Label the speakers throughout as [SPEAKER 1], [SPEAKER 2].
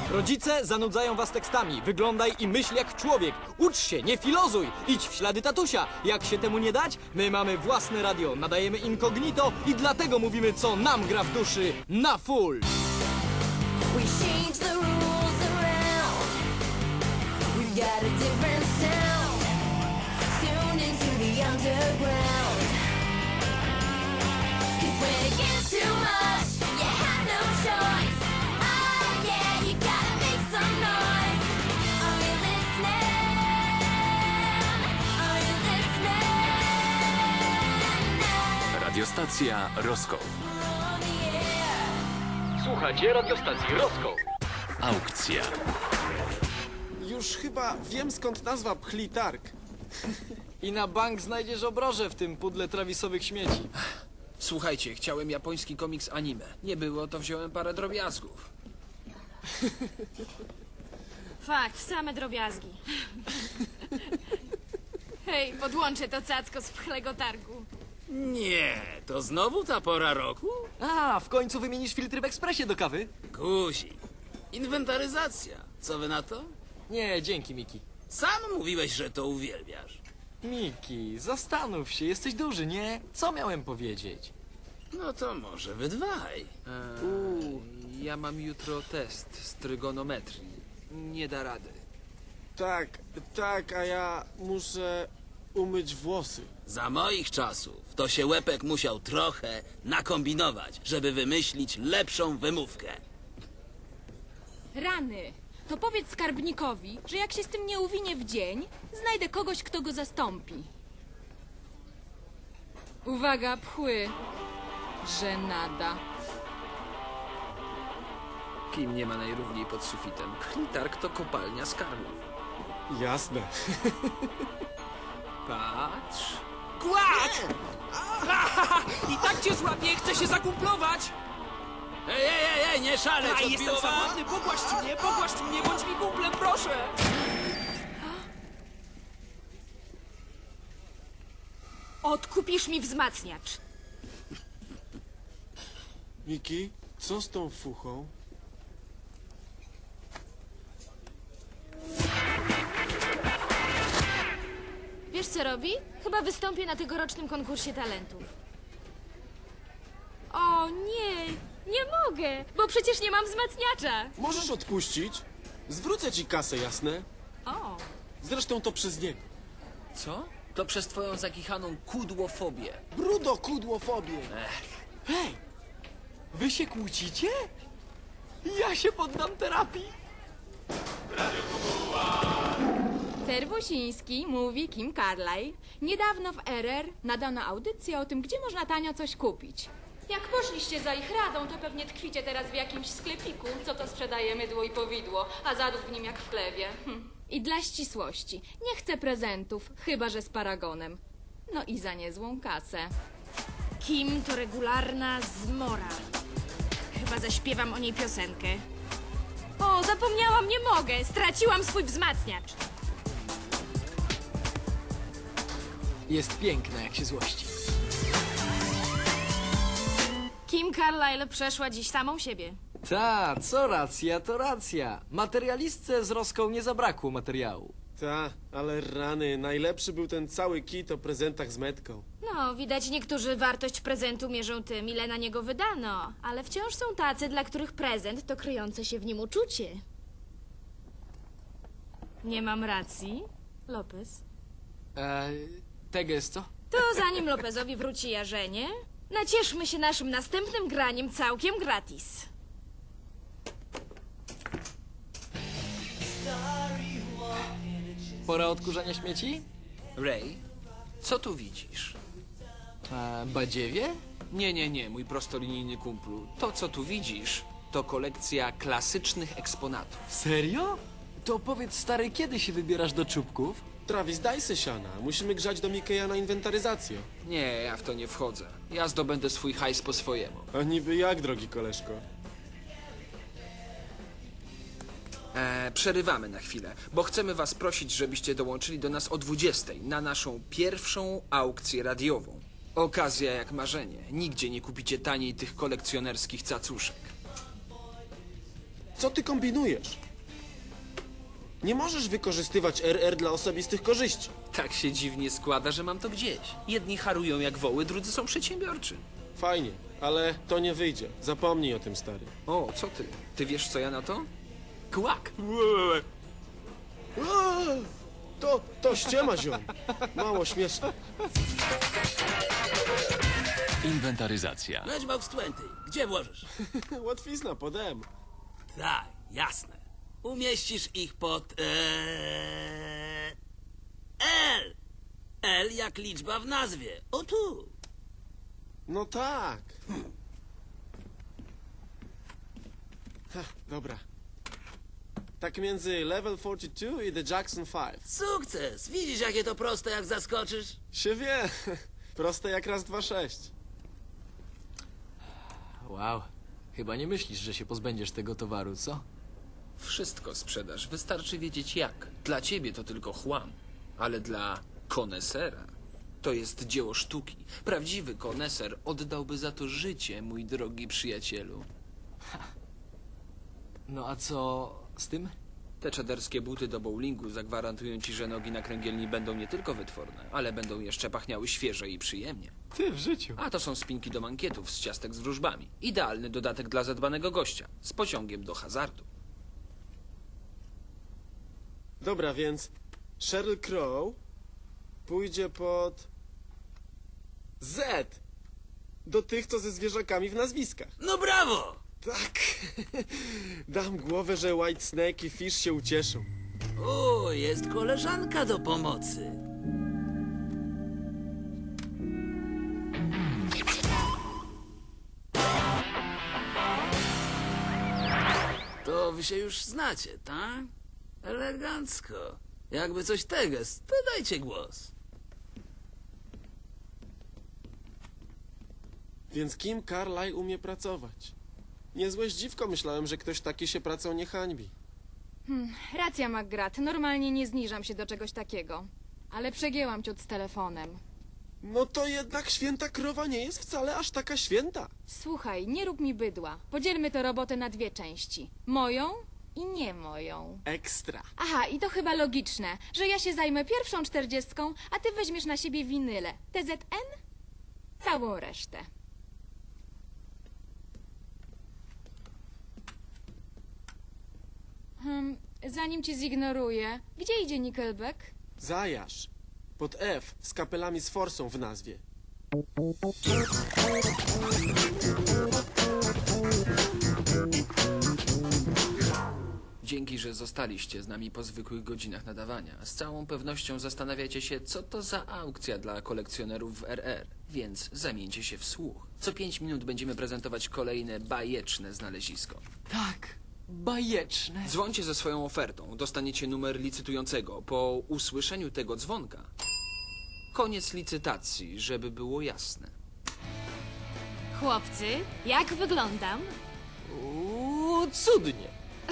[SPEAKER 1] Rodzice zanudzają was tekstami. Wyglądaj i myśl jak człowiek. Ucz się, nie filozuj. Idź w ślady tatusia. Jak się temu nie dać? My mamy własne radio, nadajemy incognito i dlatego mówimy, co nam gra w duszy na full.
[SPEAKER 2] We change the rules around. We've got a different sound. Tuned into the underground. 'Cause when it gets too much, you have no choice. Oh yeah, you gotta make some noise. Are you listening? Are you listening? Now
[SPEAKER 3] Radiostacja Roskoł.
[SPEAKER 2] on the air.
[SPEAKER 1] Słuchajcie radiostacji Roskoł.
[SPEAKER 3] Aukcja.
[SPEAKER 4] Już chyba wiem, skąd nazwa Pchli Targ.
[SPEAKER 1] I na bank znajdziesz obroże w tym pudle trawisowych śmieci.
[SPEAKER 5] Słuchajcie, chciałem japoński komiks anime. Nie było, to wziąłem parę drobiazgów.
[SPEAKER 6] Fakt, same drobiazgi. Hej, podłączę to cacko z pchlego targu.
[SPEAKER 7] Nie, to znowu ta pora roku?
[SPEAKER 1] A, w końcu wymienisz filtry w ekspresie do kawy?
[SPEAKER 7] Guzik. Inwentaryzacja. Co wy na to?
[SPEAKER 1] Nie, dzięki, Miki.
[SPEAKER 7] Sam mówiłeś, że to uwielbiasz.
[SPEAKER 1] Miki, zastanów się, jesteś duży, nie? Co miałem powiedzieć?
[SPEAKER 7] No to może wy dwaj.
[SPEAKER 5] Ja mam jutro test z trygonometrii. Nie da rady.
[SPEAKER 4] Tak, a ja muszę umyć włosy.
[SPEAKER 7] Za moich czasów to się Łepek musiał trochę nakombinować, żeby wymyślić lepszą wymówkę.
[SPEAKER 6] Rany. To powiedz skarbnikowi, że jak się z tym nie uwinie w dzień, znajdę kogoś, kto go zastąpi. Uwaga, pchły. Żenada.
[SPEAKER 5] Kim nie ma najrówniej pod sufitem? Pchlitarg to kopalnia skarbów.
[SPEAKER 4] Jasne.
[SPEAKER 5] Patrz.
[SPEAKER 8] Kłacz! I tak cię złapię, chcę się zakumplować!
[SPEAKER 7] Ej, nie szaleć,
[SPEAKER 8] A, jestem
[SPEAKER 7] odbiło wam?
[SPEAKER 8] samotny, pogłaszcz mnie, bądź mi kumplem, proszę!
[SPEAKER 6] Odkupisz mi wzmacniacz.
[SPEAKER 4] Miki, co z tą fuchą?
[SPEAKER 6] Wiesz co robi? Chyba wystąpię na tegorocznym konkursie talentów. O nie, nie mogę, bo przecież nie mam wzmacniacza.
[SPEAKER 4] Możesz odpuścić? Zwrócę ci kasę, jasne?
[SPEAKER 6] O,
[SPEAKER 4] Zresztą to przez niego.
[SPEAKER 5] Co? To przez twoją zakichaną kudłofobię.
[SPEAKER 4] Brudo, kudłofobię.
[SPEAKER 1] Hej, wy się kłócicie? Ja się poddam terapii.
[SPEAKER 9] Serwusiński, mówi Kim Carlyle. Niedawno w RR nadano audycję o tym, gdzie można tanio coś kupić. Jak poszliście za ich radą, to pewnie tkwicie teraz w jakimś sklepiku, co to sprzedaje mydło i powidło, a zadów w nim jak w chlewie. I dla ścisłości, nie chcę prezentów, chyba że z paragonem. No i za niezłą kasę.
[SPEAKER 6] Kim to regularna zmora. Chyba zaśpiewam o niej piosenkę. O, zapomniałam, nie mogę, straciłam swój wzmacniacz.
[SPEAKER 1] Jest piękna, jak się złości.
[SPEAKER 6] Kim Carlyle przeszła dziś samą siebie.
[SPEAKER 1] Ta, co racja, to racja. Materialistce z Roską nie zabrakło materiału.
[SPEAKER 4] Ta, ale rany, najlepszy był ten cały kit o prezentach z metką.
[SPEAKER 6] No, widać niektórzy wartość prezentu mierzą tym, ile na niego wydano, ale wciąż są tacy, dla których prezent to kryjące się w nim uczucie. Nie mam racji, Lopez?
[SPEAKER 1] Teges, co?
[SPEAKER 6] To zanim Lopezowi wróci jarzenie, nacieszmy się naszym następnym graniem całkiem gratis.
[SPEAKER 1] Pora odkurzania śmieci?
[SPEAKER 5] Ray, co tu widzisz?
[SPEAKER 1] Badziewie?
[SPEAKER 5] Nie, mój prostolinijny kumplu. To, co tu widzisz, to kolekcja klasycznych eksponatów.
[SPEAKER 1] Serio? To powiedz, stary, kiedy się wybierasz do czubków?
[SPEAKER 4] Travis, daj se siana. Musimy grzać do Mikeja na inwentaryzację.
[SPEAKER 5] Nie, ja w to nie wchodzę. Ja zdobędę swój hajs po swojemu.
[SPEAKER 4] A niby jak, drogi koleżko?
[SPEAKER 5] Przerywamy na chwilę, bo chcemy was prosić, żebyście dołączyli do nas o 20 na naszą pierwszą aukcję radiową. Okazja jak marzenie. Nigdzie nie kupicie taniej tych kolekcjonerskich cacuszek.
[SPEAKER 4] Co ty kombinujesz? Nie możesz wykorzystywać RR dla osobistych korzyści.
[SPEAKER 5] Tak się dziwnie składa, że mam to gdzieś. Jedni harują jak woły, drudzy są przedsiębiorczy.
[SPEAKER 4] Fajnie, ale to nie wyjdzie. Zapomnij o tym, stary.
[SPEAKER 5] O, co ty? Ty wiesz, co ja na to?
[SPEAKER 8] Kłak.
[SPEAKER 4] Eee, To ściema, ziom. Mało śmieszne.
[SPEAKER 3] Inwentaryzacja.
[SPEAKER 7] Matchbox 20. Gdzie włożysz?
[SPEAKER 4] Łatwizna, podem.
[SPEAKER 7] Tak, jasne. Umieścisz ich pod... L. L jak liczba w nazwie. O tu.
[SPEAKER 4] No tak. Dobra. Tak między Level 42 i The Jackson 5.
[SPEAKER 7] Sukces! Widzisz, jakie to proste, jak zaskoczysz?
[SPEAKER 4] Się wie. Proste jak raz, dwa, 6.
[SPEAKER 1] Wow. Chyba nie myślisz, że się pozbędziesz tego towaru, co?
[SPEAKER 5] Wszystko sprzedasz, wystarczy wiedzieć jak. Dla ciebie to tylko chłam, ale dla konesera to jest dzieło sztuki. Prawdziwy koneser oddałby za to życie, mój drogi przyjacielu.
[SPEAKER 1] No a co z tym?
[SPEAKER 5] Te czaderskie buty do bowlingu zagwarantują ci, że nogi na kręgielni będą nie tylko wytworne, ale będą jeszcze pachniały świeże i przyjemnie.
[SPEAKER 1] Ty w życiu.
[SPEAKER 5] A to są spinki do mankietów z ciastek z wróżbami. Idealny dodatek dla zadbanego gościa, z pociągiem do hazardu.
[SPEAKER 4] Dobra, więc Sheryl Crow pójdzie pod Z. Do tych, co ze zwierzakami w nazwiskach.
[SPEAKER 7] No brawo!
[SPEAKER 4] Tak. Dam głowę, że White Snake i Fish się ucieszą.
[SPEAKER 7] O, jest koleżanka do pomocy. To wy się już znacie, tak? Elegancko. Jakby coś teges, to dajcie głos.
[SPEAKER 4] Więc Kim Carlyle umie pracować? Niezłe zdziwko, myślałem, że ktoś taki się pracą nie hańbi.
[SPEAKER 9] Racja, McGrath. Normalnie nie zniżam się do czegoś takiego. Ale przegięłam ciut z telefonem.
[SPEAKER 4] No to jednak święta krowa nie jest wcale aż taka święta.
[SPEAKER 9] Słuchaj, nie rób mi bydła. Podzielmy tę robotę na dwie części. Moją i nie moją.
[SPEAKER 4] Ekstra.
[SPEAKER 9] Aha, i to chyba logiczne, że ja się zajmę pierwszą 40, a ty weźmiesz na siebie winyle. TZN? Całą resztę. Zanim cię zignoruję, gdzie idzie Nickelback?
[SPEAKER 4] Zajarz. Pod F z kapelami z forsą w nazwie.
[SPEAKER 5] Dzięki, że zostaliście z nami po zwykłych godzinach nadawania. Z całą pewnością zastanawiacie się, co to za aukcja dla kolekcjonerów w RR. Więc zamieńcie się w słuch. Co 5 minut będziemy prezentować kolejne bajeczne znalezisko.
[SPEAKER 1] Tak. Bajeczne.
[SPEAKER 5] Dzwońcie ze swoją ofertą. Dostaniecie numer licytującego. Po usłyszeniu tego dzwonka koniec licytacji, żeby było jasne.
[SPEAKER 6] Chłopcy, jak wyglądam?
[SPEAKER 1] Cudnie.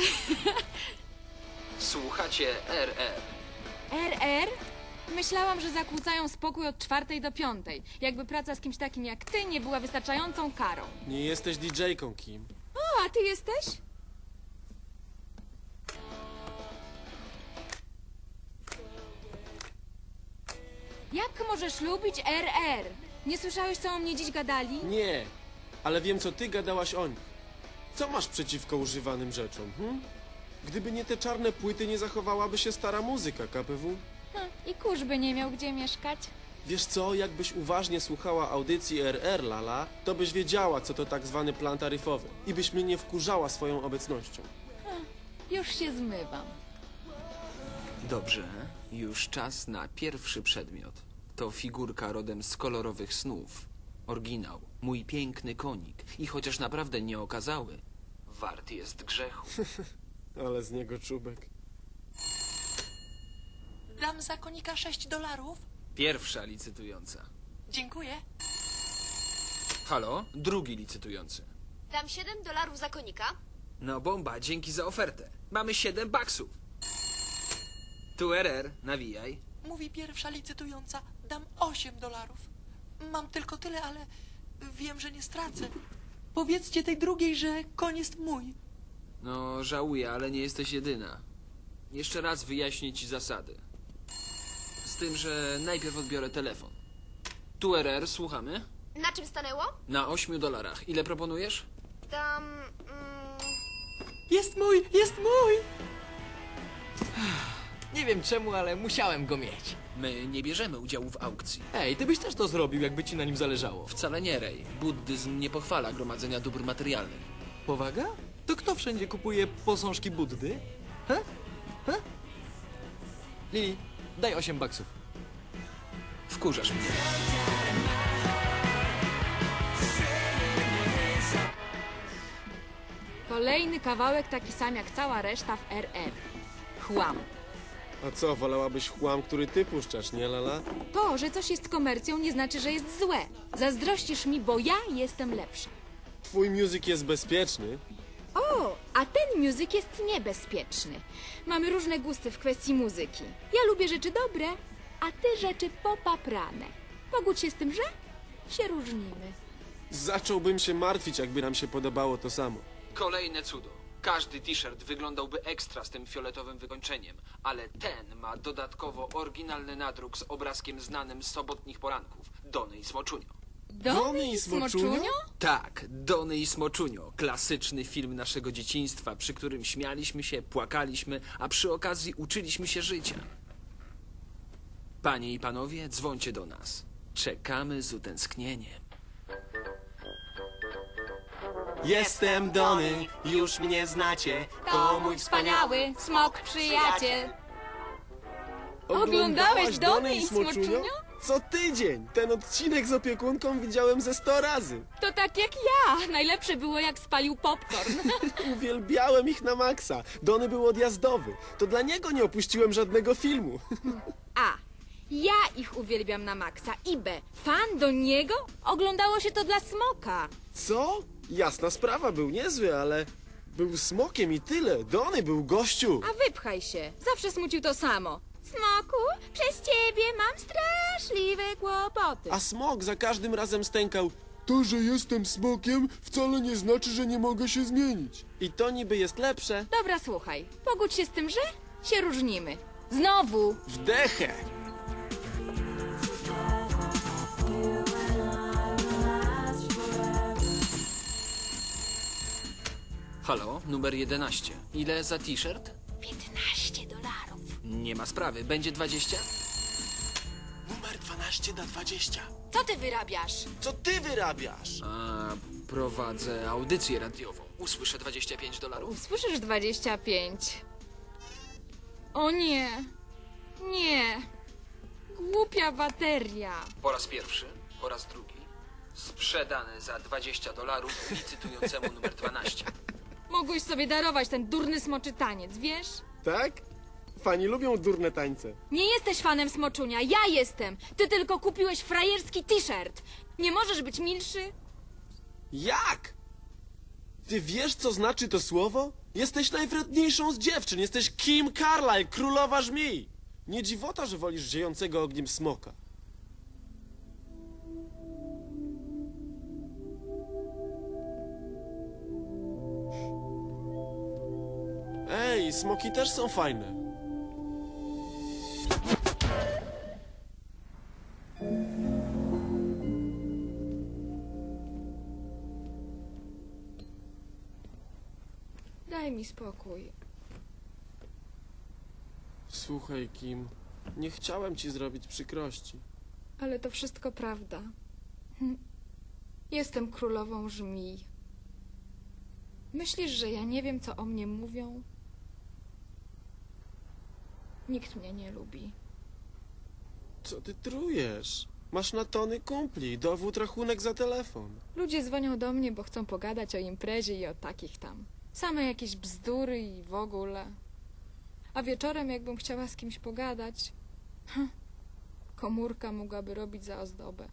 [SPEAKER 5] Słuchacie RR.
[SPEAKER 9] RR? Myślałam, że zakłócają spokój od 4 do 5. Jakby praca z kimś takim jak ty nie była wystarczającą karą.
[SPEAKER 4] Nie jesteś DJ-ką, Kim.
[SPEAKER 9] O, a ty jesteś? Jak możesz lubić RR? Nie słyszałeś, co o mnie dziś gadali?
[SPEAKER 4] Nie, ale wiem, co ty gadałaś o nich. Co masz przeciwko używanym rzeczom, Gdyby nie te czarne płyty, nie zachowałaby się stara muzyka, KPW.
[SPEAKER 9] I kurz by nie miał gdzie mieszkać.
[SPEAKER 4] Wiesz co, jakbyś uważnie słuchała audycji RR, Lala, to byś wiedziała, co to tak zwany plan taryfowy. I byś mnie nie wkurzała swoją obecnością.
[SPEAKER 9] Już się zmywam.
[SPEAKER 5] Dobrze, już czas na pierwszy przedmiot. To figurka rodem z kolorowych snów. Oryginał, mój piękny konik. I chociaż naprawdę nie okazały, wart jest grzechu.
[SPEAKER 4] Ale z niego czubek.
[SPEAKER 8] Dam za konika $6.
[SPEAKER 5] Pierwsza licytująca.
[SPEAKER 8] Dziękuję.
[SPEAKER 5] Halo, drugi licytujący.
[SPEAKER 2] Dam $7 za konika.
[SPEAKER 5] No bomba, dzięki za ofertę. Mamy $7. Tu RR, nawijaj.
[SPEAKER 8] Mówi pierwsza licytująca. Dam $8. Mam tylko tyle, ale wiem, że nie stracę. Powiedzcie tej drugiej, że koń jest mój.
[SPEAKER 5] No, żałuję, ale nie jesteś jedyna. Jeszcze raz wyjaśnię ci zasady. Z tym, że najpierw odbiorę telefon. Tu RR, słuchamy?
[SPEAKER 2] Na czym stanęło?
[SPEAKER 5] Na $8. Ile proponujesz?
[SPEAKER 2] Tam...
[SPEAKER 1] Jest mój, jest mój! Nie wiem czemu, ale musiałem go mieć.
[SPEAKER 5] My nie bierzemy udziału w aukcji.
[SPEAKER 1] Ej, ty byś też to zrobił, jakby ci na nim zależało.
[SPEAKER 5] Wcale nie, Rej. Buddyzm nie pochwala gromadzenia dóbr materialnych.
[SPEAKER 1] Powaga? To kto wszędzie kupuje posążki Buddy? He? He? Lili, daj $8.
[SPEAKER 5] Wkurzasz mnie.
[SPEAKER 9] Kolejny kawałek taki sam jak cała reszta w RR. Chłam.
[SPEAKER 4] A co, wolałabyś chłam, który ty puszczasz, nie Lala?
[SPEAKER 9] To, że coś jest komercją, nie znaczy, że jest złe. Zazdrościsz mi, bo ja jestem lepsza.
[SPEAKER 4] Twój muzyk jest bezpieczny.
[SPEAKER 9] O, a ten muzyk jest niebezpieczny. Mamy różne gusty w kwestii muzyki. Ja lubię rzeczy dobre, a ty rzeczy popaprane. Pogódź się z tym, że się różnimy.
[SPEAKER 4] Zacząłbym się martwić, jakby nam się podobało to samo.
[SPEAKER 5] Kolejne cudo. Każdy t-shirt wyglądałby ekstra z tym fioletowym wykończeniem, ale ten ma dodatkowo oryginalny nadruk z obrazkiem znanym z sobotnich poranków. Dony i Smoczunio.
[SPEAKER 9] Dony i Smoczunio?
[SPEAKER 5] Tak, Dony i Smoczunio. Klasyczny film naszego dzieciństwa, przy którym śmialiśmy się, płakaliśmy, a przy okazji uczyliśmy się życia. Panie i panowie, dzwońcie do nas. Czekamy z utęsknieniem.
[SPEAKER 4] Jestem Dony, już mnie znacie.
[SPEAKER 9] To mój wspaniały smok przyjaciel. Oglądałeś Dony i Smoczunio?
[SPEAKER 4] Co tydzień! Ten odcinek z opiekunką widziałem ze 100 razy.
[SPEAKER 9] To tak jak ja. Najlepsze było jak spalił popcorn.
[SPEAKER 4] Uwielbiałem ich na maksa. Dony był odjazdowy. To dla niego nie opuściłem żadnego filmu.
[SPEAKER 9] A. Ja ich uwielbiam na maksa. I B. Fan do niego? Oglądało się to dla smoka.
[SPEAKER 4] Co? Jasna sprawa, był niezły, ale był smokiem i tyle. Dony był gościu.
[SPEAKER 9] A wypchaj się. Zawsze smucił to samo. Smoku, przez ciebie mam straszliwe kłopoty.
[SPEAKER 4] A smok za każdym razem stękał: to, że jestem smokiem, wcale nie znaczy, że nie mogę się zmienić. I to niby jest lepsze.
[SPEAKER 9] Dobra, słuchaj. Pogódź się z tym, że się różnimy. Znowu.
[SPEAKER 4] Wdechę!
[SPEAKER 5] Halo, numer 11. Ile za t-shirt?
[SPEAKER 9] $15.
[SPEAKER 5] Nie ma sprawy. Będzie 20?
[SPEAKER 4] Numer 12 na 20.
[SPEAKER 9] Co ty wyrabiasz?
[SPEAKER 4] Co ty wyrabiasz?
[SPEAKER 5] A, prowadzę audycję radiową. Usłyszę $25.
[SPEAKER 9] Usłyszysz 25. O nie. Nie. Głupia bateria.
[SPEAKER 5] Po raz pierwszy, po raz drugi. Sprzedany za $20 licytującemu numer 12.
[SPEAKER 9] Mogłeś sobie darować ten durny smoczy taniec, wiesz?
[SPEAKER 4] Tak? Fani lubią durne tańce.
[SPEAKER 9] Nie jesteś fanem smoczunia, ja jestem. Ty tylko kupiłeś frajerski t-shirt. Nie możesz być milszy?
[SPEAKER 4] Jak? Ty wiesz, co znaczy to słowo? Jesteś najwredniejszą z dziewczyn. Jesteś Kim Carlyle, królowa żmij. Nie dziwota, że wolisz ziejącego ogniem smoka. Ej, smoki też są fajne.
[SPEAKER 9] Daj mi spokój.
[SPEAKER 4] Słuchaj, Kim, nie chciałem ci zrobić przykrości.
[SPEAKER 9] Ale to wszystko prawda. Jestem królową żmij. Myślisz, że ja nie wiem, co o mnie mówią? Nikt mnie nie lubi.
[SPEAKER 4] Co ty trujesz? Masz na tony kumpli, dowód rachunek za telefon.
[SPEAKER 9] Ludzie dzwonią do mnie, bo chcą pogadać o imprezie i o takich tam. Same jakieś bzdury i w ogóle. A wieczorem, jakbym chciała z kimś pogadać, komórka mogłaby robić za ozdobę.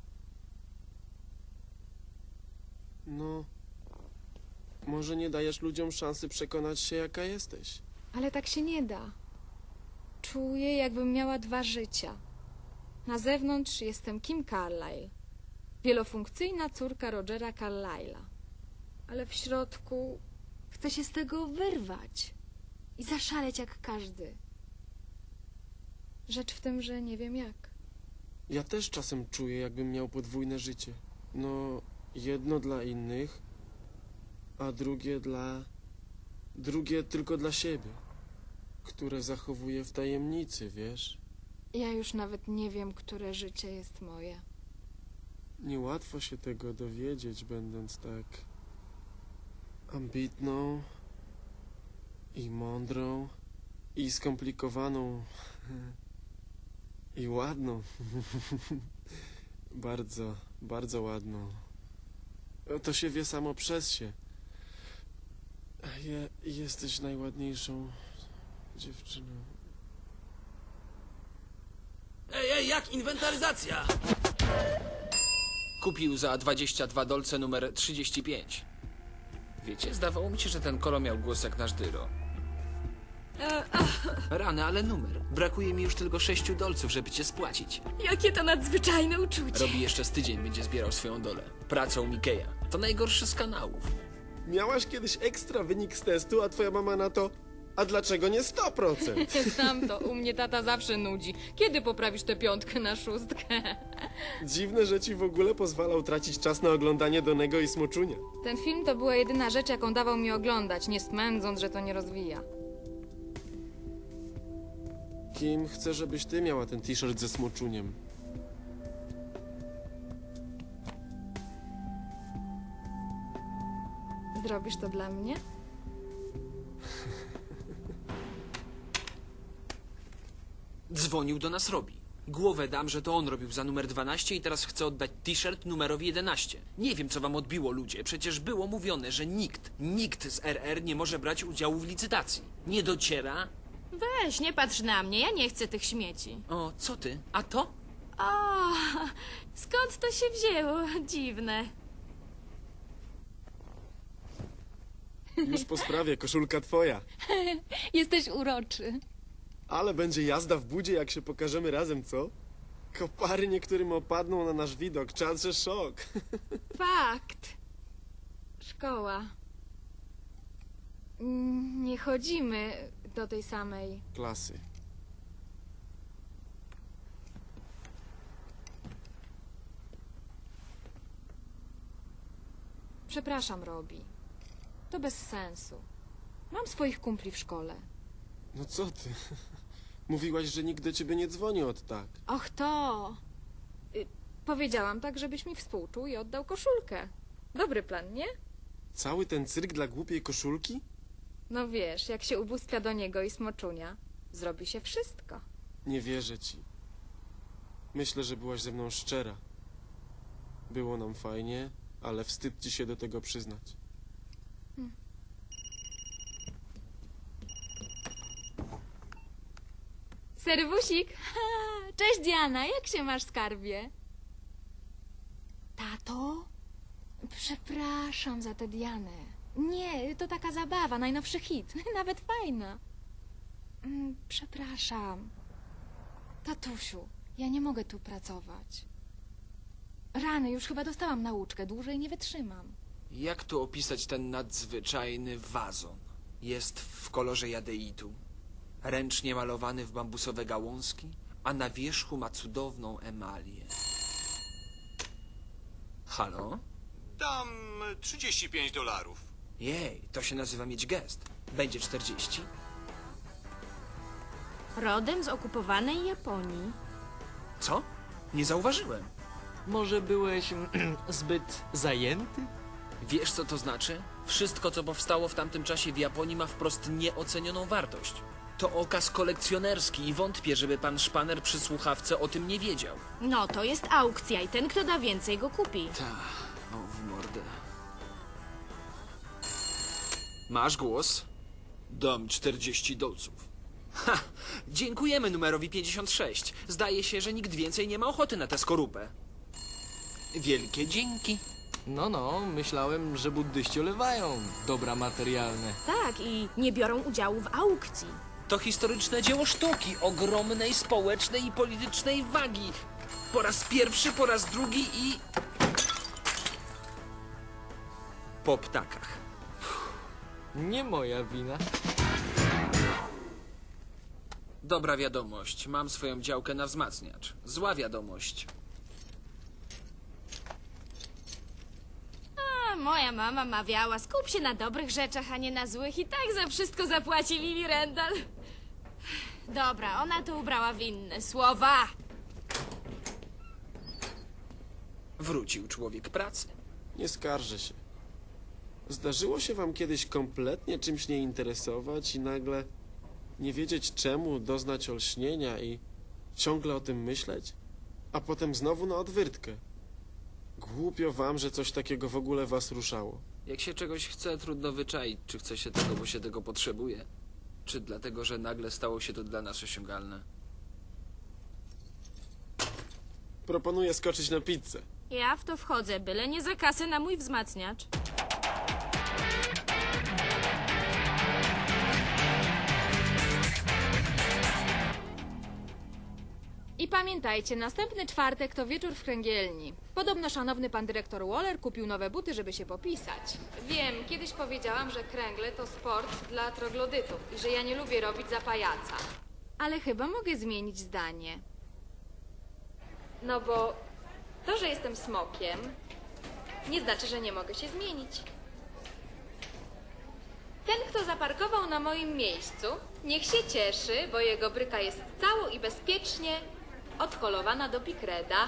[SPEAKER 4] No, może nie dajesz ludziom szansy przekonać się, jaka jesteś.
[SPEAKER 9] Ale tak się nie da. Czuję, jakbym miała 2 życia. Na zewnątrz jestem Kim Carlyle, wielofunkcyjna córka Rogera Carlyle'a. Ale w środku Chcę się z tego wyrwać i zaszaleć jak każdy. Rzecz w tym, że nie wiem jak.
[SPEAKER 4] Ja też czasem czuję, jakbym miał podwójne życie. No, jedno dla innych, a drugie tylko dla siebie, które zachowuję w tajemnicy, wiesz?
[SPEAKER 9] Ja już nawet nie wiem, które życie jest moje.
[SPEAKER 4] Niełatwo się tego dowiedzieć, będąc tak ambitną i mądrą i skomplikowaną i ładną. Bardzo, bardzo ładną. To się wie samo przez się. Jesteś najładniejszą dziewczyną.
[SPEAKER 7] Ej, jak inwentaryzacja?
[SPEAKER 5] Kupił za 22 dolce numer 35. Wiecie, zdawało mi się, że ten kolo miał głos jak nasz Dyro. Rany, ale numer. Brakuje mi już tylko 6 dolców, żeby cię spłacić.
[SPEAKER 6] Jakie to nadzwyczajne uczucie.
[SPEAKER 5] Robi jeszcze z tydzień, będzie zbierał swoją dolę. Pracą Mikeja. To najgorszy z kanałów.
[SPEAKER 4] Miałaś kiedyś ekstra wynik z testu, a twoja mama na to... A dlaczego nie 100%?
[SPEAKER 9] Znam to, u mnie tata zawsze nudzi. Kiedy poprawisz tę 5 na 6?
[SPEAKER 4] Dziwne, że ci w ogóle pozwalał tracić czas na oglądanie Donego i Smoczunia.
[SPEAKER 9] Ten film to była jedyna rzecz, jaką dawał mi oglądać, nie smędząc, że to nie rozwija.
[SPEAKER 4] Kim chcę, żebyś ty miała ten t-shirt ze Smoczuniem?
[SPEAKER 9] Zrobisz to dla mnie?
[SPEAKER 5] Dzwonił do nas Robi. Głowę dam, że to on robił za numer 12 i teraz chce oddać t-shirt numerowi 11. Nie wiem, co wam odbiło, ludzie. Przecież było mówione, że nikt z RR nie może brać udziału w licytacji. Nie dociera?
[SPEAKER 6] Weź, nie patrz na mnie, ja nie chcę tych śmieci.
[SPEAKER 5] O, co ty? A to?
[SPEAKER 6] O, skąd to się wzięło? Dziwne.
[SPEAKER 4] Już po sprawie, koszulka twoja.
[SPEAKER 9] Jesteś uroczy.
[SPEAKER 4] Ale będzie jazda w budzie, jak się pokażemy razem, co? Kopary niektórym opadną na nasz widok, czas, że szok.
[SPEAKER 9] Fakt. Szkoła. Nie chodzimy do tej samej.
[SPEAKER 4] Klasy.
[SPEAKER 9] Przepraszam, Robi. To bez sensu. Mam swoich kumpli w szkole.
[SPEAKER 4] No co ty? Mówiłaś, że nikt do ciebie nie dzwoni od tak.
[SPEAKER 9] Och, to. Powiedziałam tak, żebyś mi współczuł i oddał koszulkę. Dobry plan, nie?
[SPEAKER 4] Cały ten cyrk dla głupiej koszulki?
[SPEAKER 9] No wiesz, jak się ubóstwia do niego i Smoczunia, zrobi się wszystko.
[SPEAKER 4] Nie wierzę ci. Myślę, że byłaś ze mną szczera. Było nam fajnie, ale wstyd ci się do tego przyznać.
[SPEAKER 9] Serwusik! Cześć, Diana, jak się masz, skarbie? Tato? Przepraszam za tę Dianę. Nie, to taka zabawa, najnowszy hit, nawet fajna. Przepraszam. Tatusiu, ja nie mogę tu pracować. Rany, już chyba dostałam nauczkę, dłużej nie wytrzymam.
[SPEAKER 5] Jak tu opisać ten nadzwyczajny wazon? Jest w kolorze jadeitu, ręcznie malowany w bambusowe gałązki, a na wierzchu ma cudowną emalię. Halo?
[SPEAKER 10] Dam $35.
[SPEAKER 5] Jej, to się nazywa mieć gest. Będzie 40?
[SPEAKER 6] Rodem z okupowanej Japonii.
[SPEAKER 5] Co? Nie zauważyłem.
[SPEAKER 1] Może byłeś zbyt zajęty?
[SPEAKER 5] Wiesz, co to znaczy? Wszystko, co powstało w tamtym czasie w Japonii, ma wprost nieocenioną wartość. To okaz kolekcjonerski i wątpię, żeby pan Szpaner przy słuchawce o tym nie wiedział.
[SPEAKER 6] No, to jest aukcja i ten, kto da więcej, go kupi.
[SPEAKER 5] O, w mordę. Masz głos? Dam 40 dolców. Ha! Dziękujemy numerowi 56. Zdaje się, że nikt więcej nie ma ochoty na tę skorupę. Wielkie dzięki.
[SPEAKER 1] No, myślałem, że buddyści olewają dobra materialne.
[SPEAKER 6] Tak, i nie biorą udziału w aukcji.
[SPEAKER 5] To historyczne dzieło sztuki ogromnej społecznej i politycznej wagi. Po raz pierwszy, po raz drugi i... po ptakach.
[SPEAKER 1] Nie moja wina.
[SPEAKER 5] Dobra wiadomość. Mam swoją działkę na wzmacniacz. Zła wiadomość.
[SPEAKER 6] A, moja mama mawiała, skup się na dobrych rzeczach, a nie na złych i tak za wszystko zapłaci Lili Randall. Dobra, ona to ubrała w inne słowa.
[SPEAKER 5] Wrócił człowiek pracy.
[SPEAKER 4] Nie skarżę się. Zdarzyło się wam kiedyś kompletnie czymś nie interesować i nagle nie wiedzieć czemu, doznać olśnienia i ciągle o tym myśleć? A potem znowu na odwyrtkę. Głupio wam, że coś takiego w ogóle was ruszało.
[SPEAKER 5] Jak się czegoś chce, trudno wyczaić, czy chce się tego, bo się tego potrzebuje. Czy dlatego, że nagle stało się to dla nas osiągalne.
[SPEAKER 4] Proponuję skoczyć na pizzę.
[SPEAKER 6] Ja w to wchodzę, byle nie za kasę na mój wzmacniacz.
[SPEAKER 9] I pamiętajcie, następny czwartek to wieczór w kręgielni. Podobno szanowny pan dyrektor Waller kupił nowe buty, żeby się popisać. Wiem, kiedyś powiedziałam, że kręgle to sport dla troglodytów i że ja nie lubię robić za pajaca. Ale chyba mogę zmienić zdanie. No bo to, że jestem smokiem, nie znaczy, że nie mogę się zmienić. Ten, kto zaparkował na moim miejscu, niech się cieszy, bo jego bryka jest cało i bezpiecznie odholowana do Pikreda.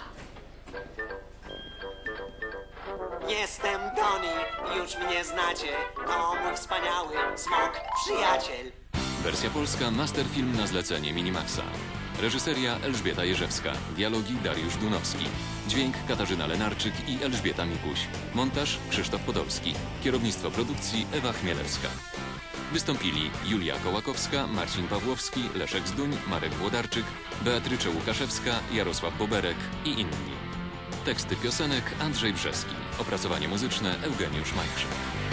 [SPEAKER 11] Jestem Tony, już mnie znacie. To mój wspaniały smok przyjaciel.
[SPEAKER 3] Wersja polska Masterfilm na zlecenie Minimaxa. Reżyseria Elżbieta Jerzewska. Dialogi Dariusz Dunowski. Dźwięk Katarzyna Lenarczyk i Elżbieta Mikuś. Montaż Krzysztof Podolski. Kierownictwo produkcji Ewa Chmielewska. Wystąpili Julia Kołakowska, Marcin Pawłowski, Leszek Zduń, Marek Włodarczyk, Beatrycze Łukaszewska, Jarosław Boberek i inni. Teksty piosenek Andrzej Brzeski. Opracowanie muzyczne Eugeniusz Majchrzak.